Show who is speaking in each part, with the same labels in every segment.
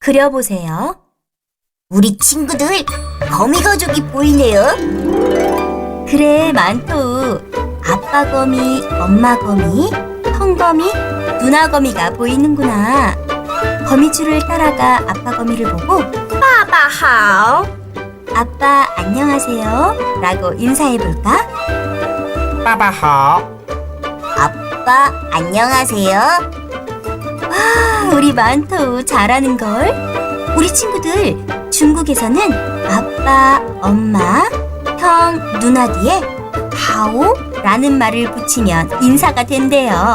Speaker 1: 그려보세요.
Speaker 2: 우리 친구들 거미 가족이 보이네요.
Speaker 1: 그래, 만토. 아빠 거미, 엄마 거미, 형 거미, 누나 거미가 보이는구나. 거미줄을 따라가 아빠 거미를 보고
Speaker 2: 爸爸好.
Speaker 1: 아빠 안녕하세요 라고 인사해볼까?
Speaker 3: 爸爸好，
Speaker 2: 아빠 안녕하세요.
Speaker 1: 와, 우리 만토 잘하는걸? 우리 친구들 중국에서는 아빠, 엄마, 형, 누나 뒤에 하오 라는 말을 붙이면 인사가 된대요.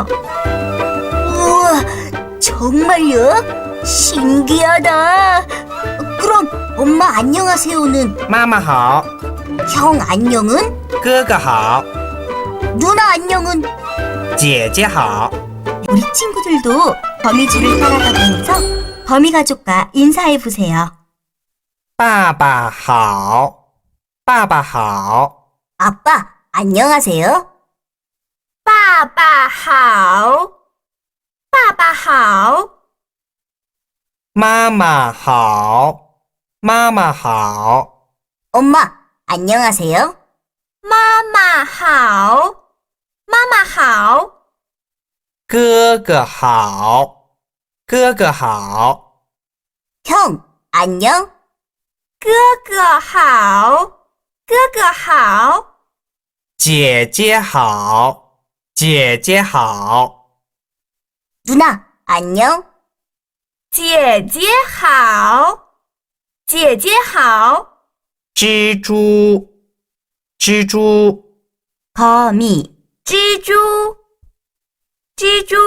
Speaker 2: 우와, 정말요? 신기하다. 그럼 엄마 안녕하세요는,
Speaker 3: 妈妈好，
Speaker 2: 형 안녕은,
Speaker 3: 哥哥好，
Speaker 2: 누나 안녕은.
Speaker 3: 姐姐好，
Speaker 1: 우리 친구들도 거미줄을 따라가면서 거미 가족과 인사해보세요.
Speaker 3: 爸爸好，爸爸好，
Speaker 2: 아빠 안녕하세요. 爸爸好. 爸爸好.
Speaker 3: 妈妈好，妈妈好，
Speaker 2: 엄마 안녕하세요. 妈妈好. 妈妈好.
Speaker 3: 哥哥好，哥哥好，
Speaker 2: 형 안녕. 哥哥好. 哥哥好.
Speaker 3: 姐姐好，姐姐好，
Speaker 2: 누나 안녕. 姐姐好. 姐姐好.
Speaker 3: 蜘蛛，蜘蛛，
Speaker 1: 거미,
Speaker 2: 蜘蛛. 蜘蛛.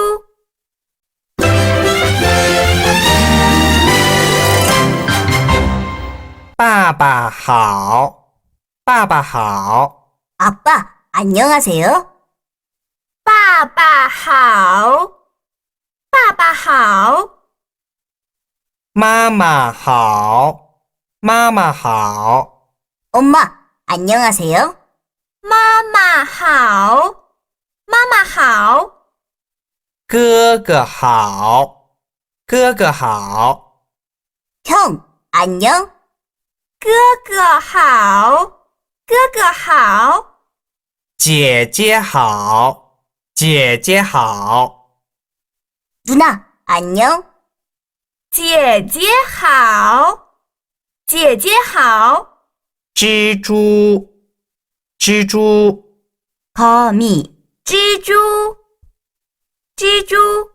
Speaker 3: 爸爸好，爸爸好，
Speaker 2: 아빠 안녕하세요. 爸爸好. 爸爸好.
Speaker 3: 妈妈好，妈妈好，
Speaker 2: 엄마 안녕하세요. 妈妈好. 妈妈好.
Speaker 3: 哥哥好，哥哥好，
Speaker 2: 형 안녕. 哥哥好. 哥哥好.
Speaker 3: 姐姐好，姐姐好，
Speaker 2: 누나 안녕. 姐姐好. 姐姐好.
Speaker 3: 蜘蛛，蜘蛛，
Speaker 1: 거미,
Speaker 2: 蜘蛛. 蜘蛛.